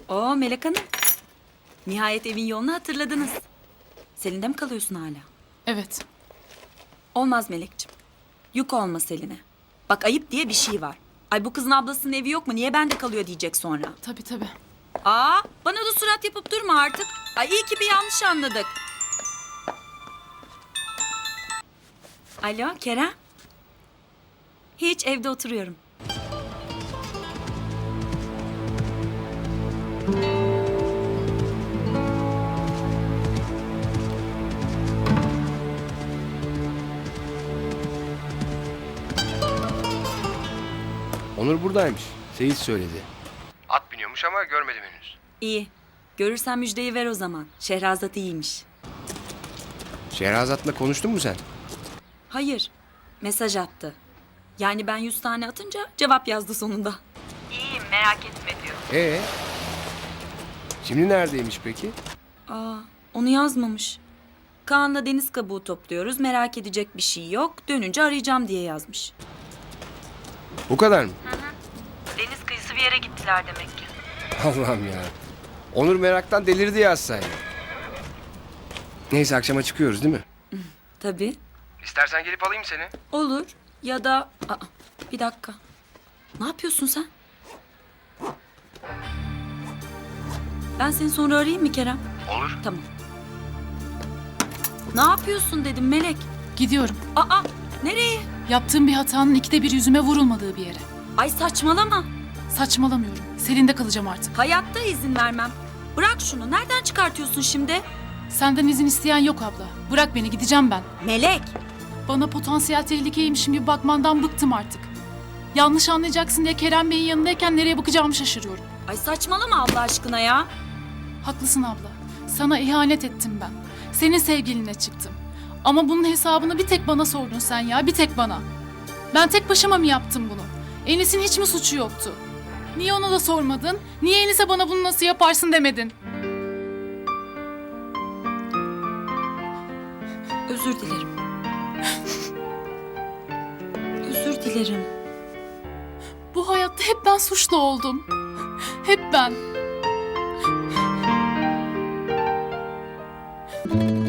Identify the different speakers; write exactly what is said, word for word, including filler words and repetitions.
Speaker 1: Oo Melek Hanım. Nihayet evin yolunu hatırladınız. Selin'de mi kalıyorsun hala?
Speaker 2: Evet.
Speaker 1: Olmaz Melek'ciğim. Yük olma Selin'e. Bak ayıp diye bir şey var. Ay bu kızın ablasının evi yok mu? Niye bende kalıyor diyecek sonra.
Speaker 2: Tabii tabii.
Speaker 1: Aa bana da surat yapıp durma artık. Ay iyi ki bir yanlış anladık. Alo Kerem. Hiç evde oturuyorum.
Speaker 3: Onur buradaymış. Seyit söyledi. At biniyormuş ama görmedim henüz.
Speaker 1: İyi. Görürsen müjdeyi ver o zaman. Şehrazat iyiymiş.
Speaker 3: Şehrazat'la konuştun mu sen?
Speaker 1: Hayır. Mesaj attı. Yani ben yüz tane atınca cevap yazdı sonunda. İyiyim merak etme diyor.
Speaker 3: Ee? Şimdi neredeymiş peki?
Speaker 1: Aa, onu yazmamış. Kaan'la deniz kabuğu topluyoruz. Merak edecek bir şey yok. Dönünce arayacağım diye yazmış.
Speaker 3: Bu kadar mı?
Speaker 1: Deniz kıyısı bir yere gittiler demek ki.
Speaker 3: Allah'ım ya. Onur meraktan delirdi yazsaydı. Neyse akşama çıkıyoruz değil mi?
Speaker 1: Tabii.
Speaker 3: İstersen gelip alayım seni.
Speaker 1: Olur. Ya da... Aa, bir dakika. Ne yapıyorsun sen? Ben seni sonra arayayım mı Kerem?
Speaker 3: Olur.
Speaker 1: Tamam. Ne yapıyorsun dedim Melek.
Speaker 2: Gidiyorum.
Speaker 1: Aa, nereye?
Speaker 2: Yaptığım bir hatanın ikide bir yüzüme vurulmadığı bir yere.
Speaker 1: Ay saçmalama.
Speaker 2: Saçmalamıyorum. Selin'de kalacağım artık.
Speaker 1: Hayatta izin vermem. Bırak şunu. Nereden çıkartıyorsun şimdi?
Speaker 2: Senden izin isteyen yok abla. Bırak beni, gideceğim ben.
Speaker 1: Melek.
Speaker 2: Bana potansiyel tehlikeymişim gibi bakmandan bıktım artık. Yanlış anlayacaksın diye Kerem Bey'in yanındayken nereye bakacağımı şaşırıyorum.
Speaker 1: Ay saçmalama Allah aşkına ya.
Speaker 2: Haklısın abla. Sana ihanet ettim ben. Senin sevgiline çıktım. Ama bunun hesabını bir tek bana sordun sen ya, bir tek bana. Ben tek başıma mı yaptım bunu? Enis'in hiç mi suçu yoktu? Niye ona da sormadın? Niye Enis'e bana bunu nasıl yaparsın demedin?
Speaker 1: Özür dilerim. Özür dilerim.
Speaker 2: Bu hayatta hep ben suçlu oldum. Hep ben.